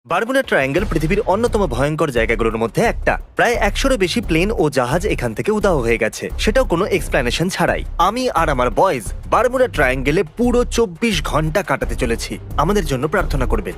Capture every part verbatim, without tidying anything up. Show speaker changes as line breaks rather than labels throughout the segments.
Bermuda triangle পৃথিবীর অন্যতম ভয়ঙ্কর জায়গাগুলোর মধ্যে একটা। প্রায় একশোরও বেশি প্লেন ও জাহাজ এখান থেকে উধাও হয়ে গেছে, সেটাও কোনো এক্সপ্লেনেশন ছাড়াই। আমি আর আমার বয়েজ বারমুডা ট্রায়াঙ্গেলে পুরো চব্বিশ ঘন্টা কাটাতে চলেছি। আমাদের জন্য প্রার্থনা করবেন।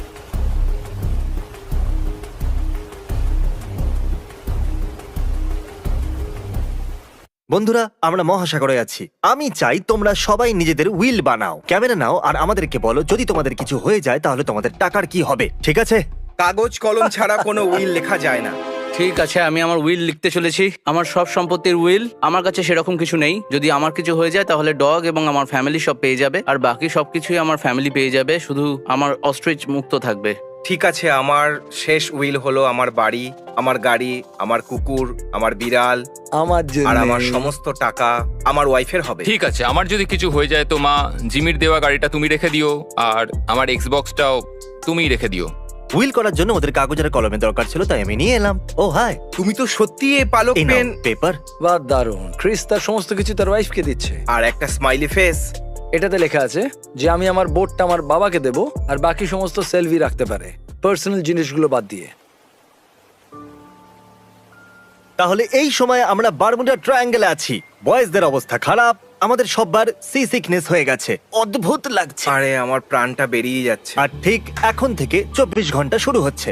বন্ধুরা, আমরা মহাসাগরে আছি। আমি চাই তোমরা সবাই নিজেদের উইল বানাও, ক্যামেরা নাও, আর আমাদেরকে বলো যদি তোমাদের কিছু হয়ে যায় তাহলে তোমাদের টাকার কি হবে, ঠিক আছে?
কাগজ কলম ছাড়া কোনো উইল লেখা যায় না।
ঠিক আছে, আমি আমার উইল লিখতে চলেছি। আমার সব সম্পত্তির উইল। আমার কাছে সেরকম কিছু নেই। যদি আমার কিছু হয়ে যায় তাহলে ডগ এবং আমার ফ্যামিলি সব পেয়ে যাবে, আর বাকি সবকিছুই আমার ফ্যামিলি পেয়ে যাবে। শুধু আমার অস্ট্রিচ মুক্ত থাকবে।
ঠিক আছে, আমার শেষ উইল হলো আমার বাড়ি, আমার গাড়ি, আমার কুকুর, আমার বিড়াল,
আমার জন্য
আর আমার সমস্ত টাকা আমার ওয়াইফের হবে।
ঠিক আছে, আমার যদি কিছু হয়ে যায় তো মা, জিমির দেওয়া গাড়িটা তুমি রেখে দিও, আর আমার এক্সবক্সটাও তুমিই রেখে দিও।
উইল করার জন্য ওদের কাগজ আর কলমের দরকার ছিল, তাই আমি নিয়ে এলাম। ও হাই,
তুমি তো সত্যি এই পালক
এই
পেন
পেপার।
বা দারুণ। ক্রিস তার সমস্ত কিছু তার ওয়াইফকে দিচ্ছে।
আর একটা স্মাইলি ফেস।
এটাতে লেখা আছে যে আমি আমার বোটটা আমার বাবাকে দেব, আর বাকি সমস্ত সেলভি রাখতে পারে, পার্সোনাল জিনিসগুলো বাদ দিয়ে।
তাহলে এই সময় আমরা বারমুডা ট্রায়াঙ্গেলে আছি। বয়েজদের অবস্থা খারাপ, আমাদের সববার সি সিকনেস হয়ে গেছে, অদ্ভুত লাগছে।
আরে আমার প্রাণটা বেরিয়ে যাচ্ছে।
আর ঠিক এখন থেকে চব্বিশ ঘন্টা শুরু হচ্ছে।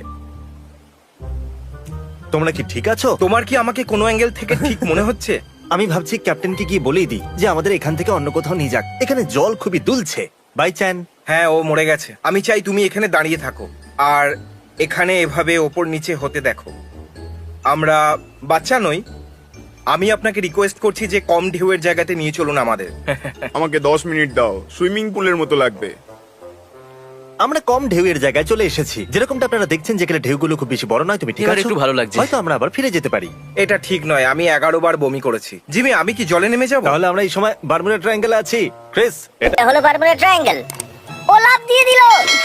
তোমরা কি ঠিক আছো?
তোমার কি আমাকে কোনো অ্যাঙ্গেল থেকে ঠিক মনে হচ্ছে?
আমি ভাবছি ক্যাপ্টেনকে কি বলেই দিই যে আমাদের এখান থেকে অন্য কোথাও নিয়ে যাক। এখানে জল খুবই দুলছে। Bye Chan.
হ্যাঁ, ও মরে গেছে। আমি চাই তুমি এখানে দাঁড়িয়ে থাকো আর এখানে এভাবে ওপর নিচে হতে দেখো। আমরা বাচ্চা নই। আমি আপনাকে রিকোয়েস্ট করছি যে কম ঢেউয়ের জায়গাতে নিয়ে চলুন আমাদের।
আমাকে দশ মিনিট দাও, সুইমিং পুলের মতো লাগবে।
আমরা কম ঢেউয়ের জায়গায় চলে এসেছি, যেরকমটা আপনারা দেখছেন, যেখানে ঢেউগুলো খুব বেশি বড় নয়। তুমি ঠিক
এবার
আছো?
একটু ভালো লাগছে।
হয়তো আমরা আবার ফিরে যেতে পারি।
এটা ঠিক নয়, আমি এগারো বার বমি করেছি। জিমি, আমি কি জলে নেমে যাবো?
তাহলে আমরা এই সময় বারমুডা ট্রায়াঙ্গেলে আছি। ক্রিস, এটা
এটা হলো বারমুডা ট্রায়াঙ্গেল। ও লাফ দিয়ে দিল।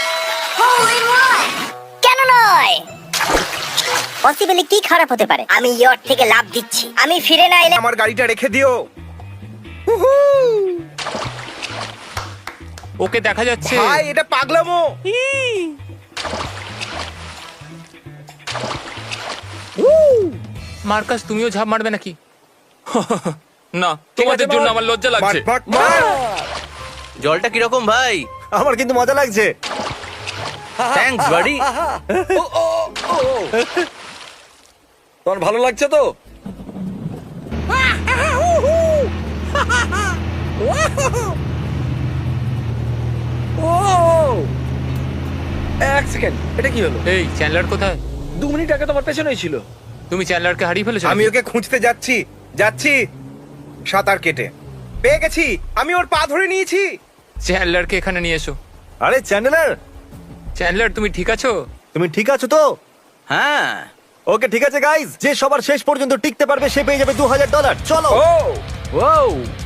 কেন নয়? পসিবলি কি খারাপ হতে পারে? আমি ইয়ট থেকে লাফ দিচ্ছি। আমি ফিরে না এলে
আমার গাড়িটা রেখে দিও।
ওকে দেখা যাচ্ছে।
ভাই, এটা পাগলামো।
মার্কাস, তুমিও ঝাঁপ মারবে নাকি? না, তোমাদের জন্য আমার লজ্জা লাগছে।
মার, মার, মার।
জলটা কিরকম ভাই?
আমার কিন্তু মজা লাগছে।
থ্যাঙ্কস বাড়ি।
তোমার ভালো লাগছে তো? এক সেকেন্ড, এটা কি হলো?
এই চ্যান্ডলার কোথায়?
দু মিনিট আগে তোমার পেছনেই ছিল।
তুমি চ্যান্ডলারকে হারিয়ে ফেলেছো?
আমি ওকে খুঁজতে যাচ্ছি যাচ্ছি সাঁতার কেটে পেয়ে গেছি। আমি ওর পা ধরে নিয়েছি।
চ্যান্ডলারকে এখানে নিয়ে এসো।
আরে চ্যান্ডেলার,
চ্যান্ডলার, তুমি ঠিক আছো?
তুমি ঠিক আছো তো?
হ্যাঁ।
ওকে, ঠিক আছে গাইজ। যে সবার শেষ পর্যন্ত টিকতে পারবে সে পেয়ে যাবে দু হাজার ডলার। চলো।
ও
ওয়াও,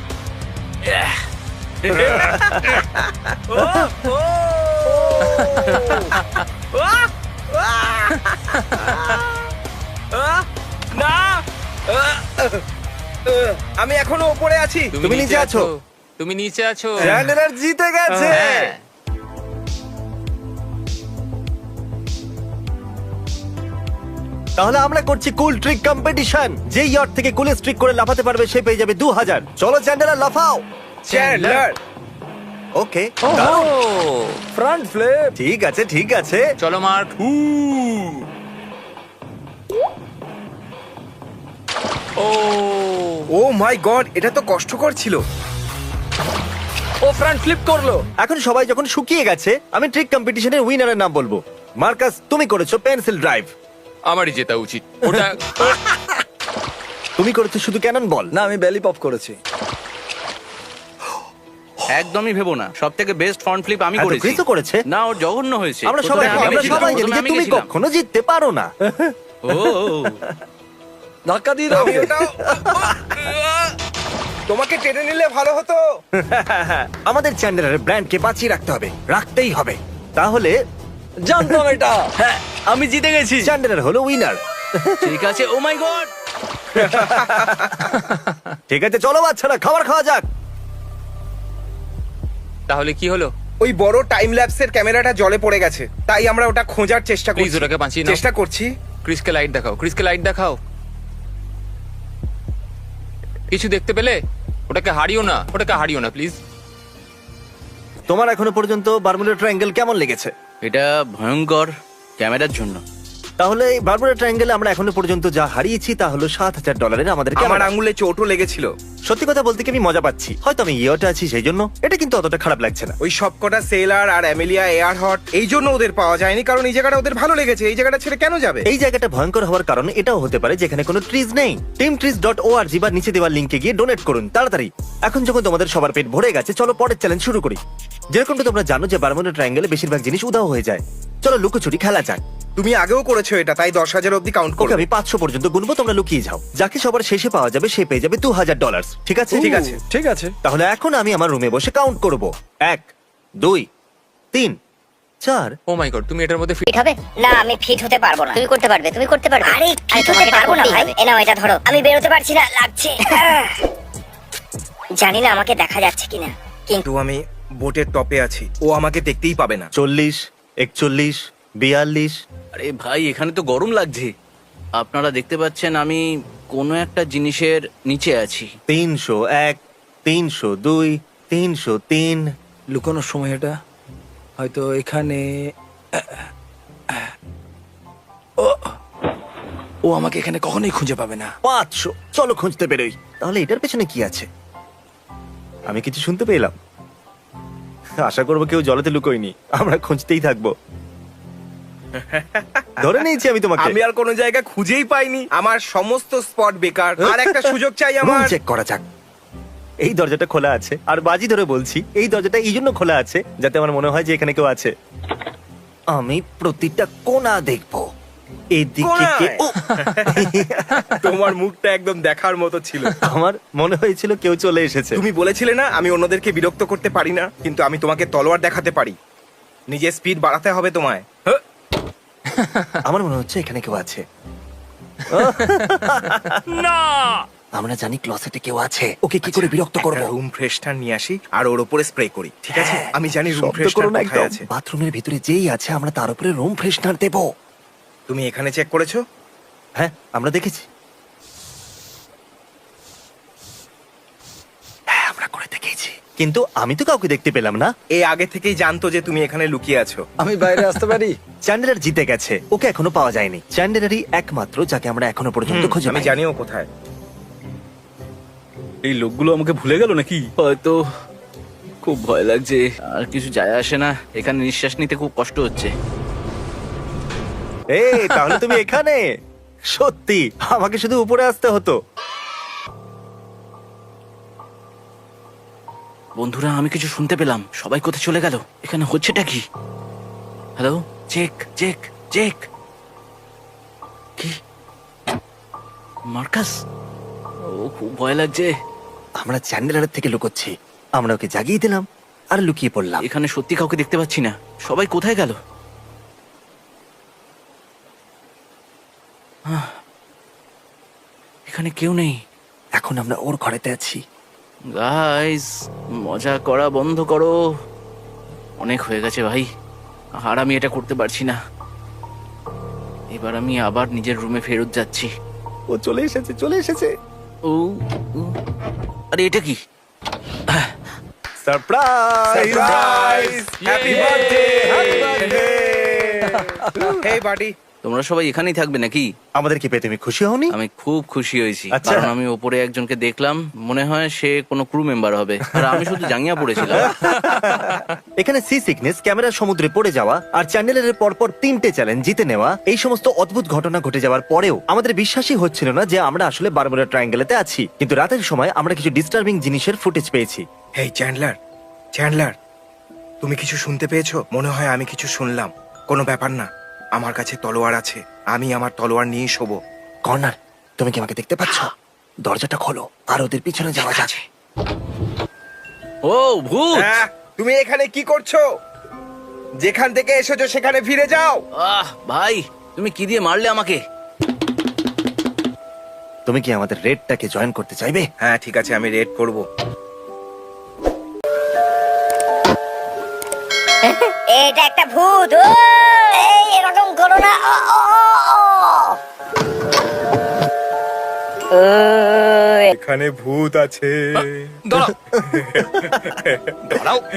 না, আমি এখনো উপরে আছি।
তুমি নিচে আছো।
তুমি নিচে আছো।
চ্যান্ডেলার জিতে গেছে।
হ্যাঁ।
তাহলে আমরা করছি কুল ট্রিক কম্পিটিশন। যে ইয়ট থেকে কুলেস্ট ট্রিক করে লাফাতে পারবে সে পেয়ে যাবে দু হাজার। চলো চ্যান্ডেলার, লাফাও।
চ্যান্ডলার,
ওকে,
ও,
ফ্রন্ট ফ্লিপ।
ঠিক আছে ঠিক আছে।
চলো mark. O,
O my god, এটা তো কষ্টকর ছিল।
ও ফ্রন্ট ফ্লিপ করলো।
এখন সবাই যখন শুকিয়ে গেছে, আমি ট্রিক কম্পিটিশনের উইনারের নাম বলবো। মার্কাস, তুমি করেছো পেন্সিল ড্রাইভ।
আমারই জেতা উচিত। ওটা
তুমি করেছো শুধু ক্যানন বল।
না, আমি বেলি পপ করেছি।
একদমই ভেবো না, সব থেকে বেস্ট ফ্রন্ট ফ্লিপ আমি
এত
করেছি।
ক্রিসও করেছে।
না, ওর জঘন্য হয়েছে।
আমরা
প্রথমে
সবাই
আমি
আমরা
গেছিলাম,
সবাই জানি
প্রথমে
যে
আমি
তুমি
গেছিলাম।
কখনো জিততে পারো না।
ও,
ধাক্কা দিয়ে দাও।
আমি ওটাও তোমাকে টেনে নিলে ভালো হতো।
আমাদের চ্যান্ডেলারের ব্র্যান্ডকে বাঁচিয়ে রাখতে হবে, রাখতেই হবে। তাহলে
জানতাম এটা।
হ্যাঁ, আমি জিতে গেছি।
চ্যান্ডেলার হলো উইনার।
ঠিক আছে। Oh my god.
ঠিক আছে, চলো বাচ্চারা, খাবার খাওয়া যাক।
তাহলে কি হলো?
ওই বড় টাইম ল্যাপসের ক্যামেরাটা জলে পড়ে গেছে, তাই আমরা ওটা খোঁজার চেষ্টা
প্লিজ
করছি।
ওটাকে বাঁচিয়ে নাও।
চেষ্টা করছি।
ক্রিসকে লাইট দেখাও, ক্রিসকে লাইট দেখাও। কিছু দেখতে পেলে? ওটাকে হারিও না, ওটাকে হারিও না প্লিজ।
তোমার এখনো পর্যন্ত বারমুডা ট্রায়াঙ্গেল কেমন লেগেছে?
এটা ভয়ঙ্কর ক্যামেরার জন্য।
তাহলে এই বারমুডা ট্রায়াঙ্গেলে আমরা এখনো পর্যন্ত যা হারিয়েছি তা হলো সাত হাজার ডলারের আমাদের
আমার
ক্যামেরা।
আঙুলে চোটও লেগেছিল।
সত্যি কথা বলতে কি আমি মজা পাচ্ছি, হয়তো আমি ইয়েটা আছি সেই জন্য, এটা কিন্তু অতটা খারাপ লাগছে না।
ওই সবকটা সেলার আর অ্যামেলিয়া এয়ার হট এই জন্য ওদের পাওয়া যায়নি, কারণ এই জায়গাটা ওদের ভালো লেগেছে। এই জায়গাটা ছেড়ে কেন যাবে?
এই জায়গাটা ভয়ঙ্কর হওয়ার কারণ এটাও হতে পারে যেখানে কোনো ট্রিজ নেই। টিম ট্রিজ ডট ওআরজি বা নিচে দেওয়ার লিংকে গিয়ে ডোনেট করুন তাড়াতাড়ি। এখন যখন তোমাদের সবার পেট ভরে গেছে, চলো পরের চ্যালেঞ্জ শুরু করি। যেরকমটা তোমরা জানো যে বারমুডা ট্রায়াঙ্গেলে বেশিরভাগ জিনিস উধাও হয়ে যায়। চলো লুকোচুরি খেলা যাক।
তুমি আগেও করেছো এটা, তাই দশ হাজার অব্দি কাউন্ট
ওকে
করো।
আমি পাঁচশো পর্যন্ত গুনবো, তোমরা লুকিয়ে যাও। যাকে সবার শেষে পাওয়া যাবে সে পেয়ে যাবে দু হাজার ডলার। ঠিক আছে?
ঠিক আছে।
ঠিক আছে।
তাহলে এখন আমি আমার রুমে বসে কাউন্ট করব। এক, দুই, তিন, চার।
ও মাই গড, তুমি এটার মধ্যে fit-
ফিট হবে না? আমি ফিট হতে পারবো না। তুমি করতে পারবে, তুমি করতে পারবে। আরে ফিট হতে পারবো না ভাই। এ নাও এটা ধরো। আমি বেরোতে পারছি না, লাগছে। জানি না আমাকে দেখা যাচ্ছে কিনা, কিন্তু
কিন্তু আমি বোটের টপে আছি, ও আমাকে দেখতেই পাবে না।
চল্লিশ, একচল্লিশ, বিয়াল্লিশ।
আরে ভাই, এখানে তো গরম লাগছে। আপনারা দেখতে পাচ্ছেন আমি কোনো একটা জিনিসের নিচে আছি।
তিনশো এক, তিনশো দুই, তিনশো তিন।
লুকানোর সময় এটা হয়তো এখানে। ও ও আমাকে এখানে কখনোই খুঁজে পাবে না।
পাঁচশো। চলো খুঁজতে বেরোই। তাহলে এটার পেছনে কি আছে? আমি কিছু শুনতে পেলাম। আশা করবো কেউ জলেতে লুকোয়নি, আমরা খুঁজতেই থাকবো। ধরে নিয়েছি আমি তোমাকে।
আমি আর কোনো জায়গা খুঁজেই পাইনি। আমার সমস্ত স্পট বেকার। আর একটা সুযোগ চাই
রুম
আমার।
চেক করা যাক। এই দরজাটা খোলা আছে, আর বাজি ধরে বলছি এই দরজাটা এই জন্য খোলা আছে যাতে আমার মনে হয় যে এখানে কেউ আছে। আমি প্রতিটা কোণা দেখবো। এদিকে কে? ও!
তোমার মুখটা একদম দেখার মতো ছিল।
আমার মনে হয়েছিল কেউ চলে এসেছে।
তুমি বলেছিলে না আমি অন্যদেরকে বিরক্ত করতে পারি না, কিন্তু আমি তোমাকে তলোয়ার দেখাতে পারি। নিজের স্পিড বাড়াতে হবে তোমায়। হ্যাঁ।
আমার মনে হচ্ছে এখানে কেউ আছে।
না!
আমরা জানি ক্লসেটে কেউ আছে, ওকে কি করে বিরক্ত করব?
রুম ফ্রেশনার নিয়ে আসি আর ওর উপরে স্প্রে করি, ঠিক আছে?
হ্যাঁ,
আমি জানি রুম
শব্দ করো
ফ্রেশনার
না
কোথায়
একদম।
আছে।
বাথরুমের ভিতরে যেই আছে আমরা তার উপরে রুম ফ্রেশনার দেব।
তুমি এখানে চেক করেছো?
হ্যাঁ, আমরা দেখেছি। হ্যাঁ, আমরা করে দেখেছি, কিন্তু আমি তো কাউকে দেখতে পেলাম না।
এ আগে থেকেই জানতো যে তুমি এখানে লুকিয়ে আছো।
আমি বাইরে আসতে পারি?
চ্যান্ডেলার জিতে গেছে, ওকে এখনো পাওয়া যায়নি। চ্যান্ডেলারই একমাত্র যাকে আমরা এখনো পর্যন্ত
হুম,
খুঁজে
আমি
পাইনি।
জানিও কোথায়।
এই লোকগুলো আমাকে ভুলে গেল নাকি? হয়তো। খুব ভয় লাগছে। আর কিছু যায় আসে না, এখানে নিঃশ্বাস নিতে খুব কষ্ট হচ্ছে।
এই তাহলে তুমি এখানে? সত্যি আমাকে শুধু উপরে আসতে হতো।
বন্ধুরা, আমি কিছু শুনতে পেলাম। সবাই কোথায় চলে গেল? এখানে হচ্ছেটা কি? Hello, check check check. কি? মার্কাস? ও, খুব ভয় লাগছে।
আমরা চ্যান্ডেলারের থেকে লুকোচ্ছি, আমরা ওকে জাগিয়ে দিলাম আর লুকিয়ে পড়লাম।
এখানে সত্যি কাউকে দেখতে পাচ্ছি না। সবাই কোথায় গেল? আহ, এখানে কেউ নেই।
এখন আমরা ওর ঘরেতে আছি।
গাইস, মজা করা বন্ধ করো। অনেক হয়ে গেছে ভাই, আর আমি এটা করতে পারছি না। এবার আমি আবার নিজের রুমে ফেরত যাচ্ছি।
ও চলে এসেছে, চলে এসেছে।
ও ও, আরে এটা কি?
Surprise!
Surprise! Happy birthday! Happy birthday! Hey buddy.
তোমরা সবাই এখানেই থাকবে নাকি?
আমাদেরকে পেয়ে তুমি খুশি হওনি?
আমি খুব খুশি হয়েছি,
আচ্ছা।
কারণ আমি ওপরে একজনকে দেখলাম, মনে হয় সে কোনো ক্রু মেম্বার হবে, আর আমি শুধু জাঙ্গিয়া পড়েছিলাম।
এখানে সি সিকনেস, ক্যামেরা সমুদ্রে পড়ে যাওয়া, আর চ্যান্ডেলের পরপর তিনটে চ্যালেঞ্জ জিতে নেওয়া, এই সমস্ত অদ্ভুত ঘটনা ঘটে যাওয়ার পরেও আমাদের বিশ্বাসই হচ্ছিল না যে আমরা আসলে বারমুডা ট্রায়াঙ্গেলেতে আছি। কিন্তু রাতের সময় আমরা কিছু ডিস্টার্বিং জিনিসের ফুটেজ পেয়েছি।
হেই চ্যান্ডলার, চ্যান্ডলার, তুমি কিছু শুনতে পেয়েছো? মনে হয় আমি কিছু শুনলাম। কোনো ব্যাপার না, আমার কাছে তলোয়ার আছে, আমি আমার তলোয়ার নিয়ে শোবো।
কর্নার, তুমি কি আমাকে দেখতে পাচ্ছ? দরজাটা খোলো আর ওদের পিছনে যাওয়া যাচ্ছে।
ও ভূত!
হ্যাঁ, তুমি এখানে কি করছো? যেখান থেকে এসেছো সেখানে ফিরে যাও।
আহ ভাই, তুমি কি দিয়ে মারলে আমাকে?
তুমি কি আমাদের রেডটাকে জয়েন করতে চাইবে?
হ্যাঁ ঠিক আছে, আমি রেড করব।
এটা একটা ভূত। ও, এই এরকম করো না। ও, ও, ও, ও। ও,
এখানে ভূত আছে।
দাঁড়াও দাঁড়াও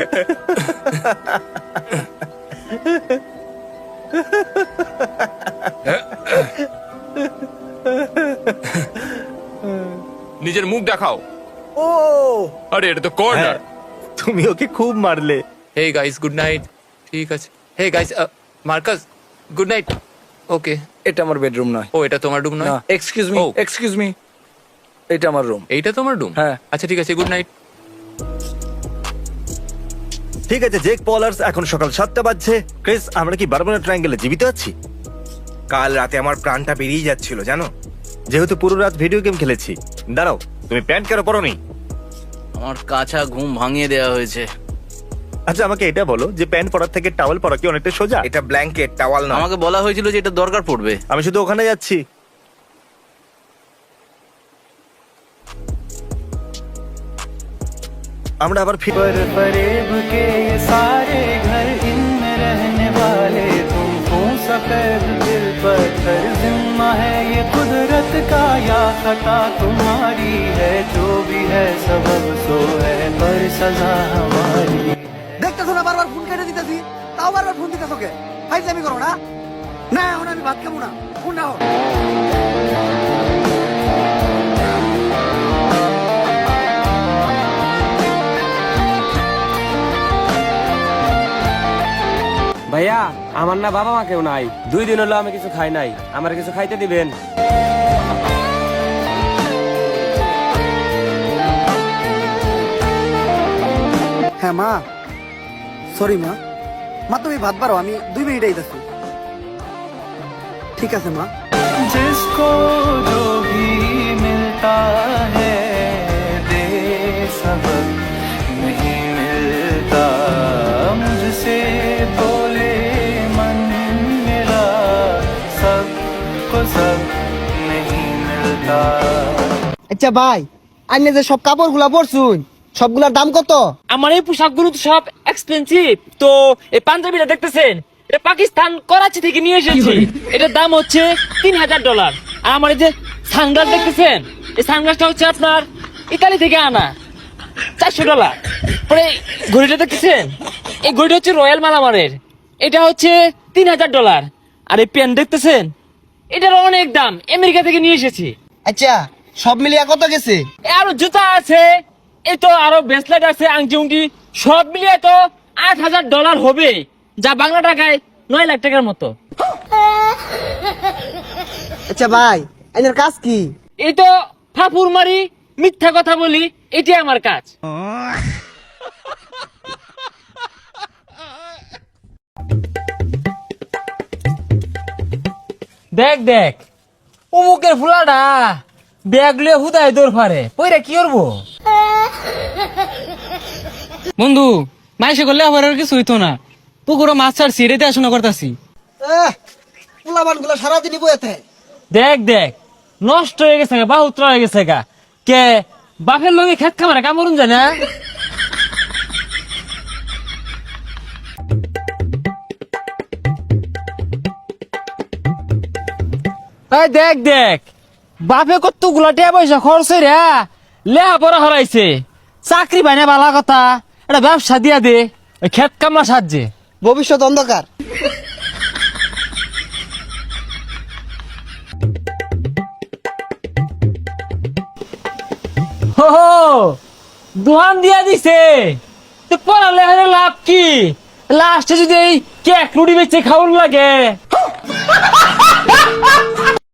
নিজের মুখ দেখাও।
ও
আরে এটা তো কর্নার।
হ্যাঁ, তুমি ওকে খুব মারলে।
Hey guys good night. ঠিক আছে। Hey guys Marcus good night. Okay.
এটা আমার বেডরুম নয়।
ও এটা তোমার রুম
না,
নয়?
Excuse me,
oh.
Excuse me, এটা আমার রুম।
এইটা তোমার রুম?
হ্যাঁ।
আচ্ছা ঠিক আছে, গুড নাইট।
ঠিক আছে জেক পলার্স, এখন সকাল সাতটা বাজছে। ক্রিস, আমরা কি বারমুডা ট্রায়াঙ্গেলে জীবিত আছি?
কাল রাতে আমার প্রাণটা বেরিয়ে যাচ্ছিল জানো।
যেহেতু পুরো রাত ভিডিও গেম খেলেছি। দাঁড়াও, তুমি প্যান্ট কেন পরোনি?
আমার কাঁচা ঘুম ভাঙিয়ে দেওয়া হয়েছে।
আচ্ছা আমাকে এটা বলো যে প্যান্ট পরার থেকে টাওয়েল পরা কি অনেকটা সোজা?
এটা ব্ল্যাঙ্কেট, টাওয়াল না।
আমাকে বলা হয়েছিল যে এটা দরকার পড়বে।
আমি শুধু ওখানে যাচ্ছি। আমরা আবার ফিরে
फरेब के ये सारे घर इनमें रहने वाले तुमको सफेद दिल पत्थर जिम्मा है ये कुदरत का या खता तुम्हारी है जो भी है सबब सो है पर सजा हमारी।
দেখতেছো না বারবার ফোন কেটে দিতেছি, তাও বারবার ফোন দিতেছো কে? ফাইজলামি করো না। না এখন আমি ভাত খাবো না, ফোন নাও।
ভাইয়া আমার না বাবা মা কেউ নাই, দুই দিন হলো আমি কিছু খাই নাই, আমার কিছু খাইতে দিবেন?
হ্যাঁ মা, সরি মা। মা তুমি ভাত বারো, আমি দুই মিনিট আইতেছি। ঠিক আছে মা।
जिसको जो भी मिलता है दे सबक नहीं मिलता मुझसे बोले मन मिला सबको सब नहीं मिलता।
আচ্ছা ভাই, আইনে যে সব কাপড় গুলা পরছুন সবগুলার দাম কত?
আমার এই পোশাকগুলো তো সব এক্সপেন্সিভ। তো এই পাঞ্জাবিটা দেখতেছেন, এটা পাকিস্তান করাচি থেকে নিয়ে এসেছি। এটার দাম হচ্ছে তিন হাজার ডলার। আর আমার এই যে সানগ্লাস দেখতেছেন, এই সানগ্লাসটা হচ্ছে আপনার ইতালি থেকে আনা, চারশো ডলার। পরে এই ঘড়িটা দেখতেছেন, এই ঘড়িটা হচ্ছে রয়্যাল মালামারের, এটা হচ্ছে তিন হাজার ডলার। আর এই পেন দেখতেছেন, এটার অনেক দাম, আমেরিকা থেকে নিয়ে এসেছি।
আচ্ছা সব মিলিয়ে কত গেছে?
এ আরো জুতা আছে, এই তো আরো ব্রেসলেট আছে, আংটি উংটি, সব মিলিয়ে তো আট হাজার ডলার হবে, যা বাংলা টাকায় নয় লাখ টাকার মতো।
আচ্ছা ভাই, আইনের কাজ কি?
এই তো ফাপুর মারি, মিথ্যা কথা বলি, এটাই আমার কাজ। দেখ দেখ অমুকের ফুলাটা ব্যাগ লিয়ে হুদায় দৌড় ফারে, পইরা কি করবো? বন্ধু মাইসে করলে আবার আর কিছু হইতো না, পুকুরো মাছ ছাড়ছি, রেতে আসনা করতেছি।
পোলাবান গুলা সারাদিনই বইতে।
দেখ দেখ নষ্ট হয়ে গেছে গা, বাহুত্র হয়ে গেছে গা। কে বাপের লগে খেত খামারে কামড়ুন যায় না? এই দেখ দেখ বাপে কত গুলা টিয়া পয়সা খরচ রে, লেহা পড়া হরাইছে, চাকরি পাই না, বালা কথা, এটা ব্যবসা দিয়া দে ওই খেত কামলা সাহায্যে।
ভবিষ্যৎ অন্ধকার।
হো দোহান দিয়া দিছে, তো পড়ালে লাভ কি? লাস্টে যদি এই কেক রুটি বেচে খাওয়ার লাগে।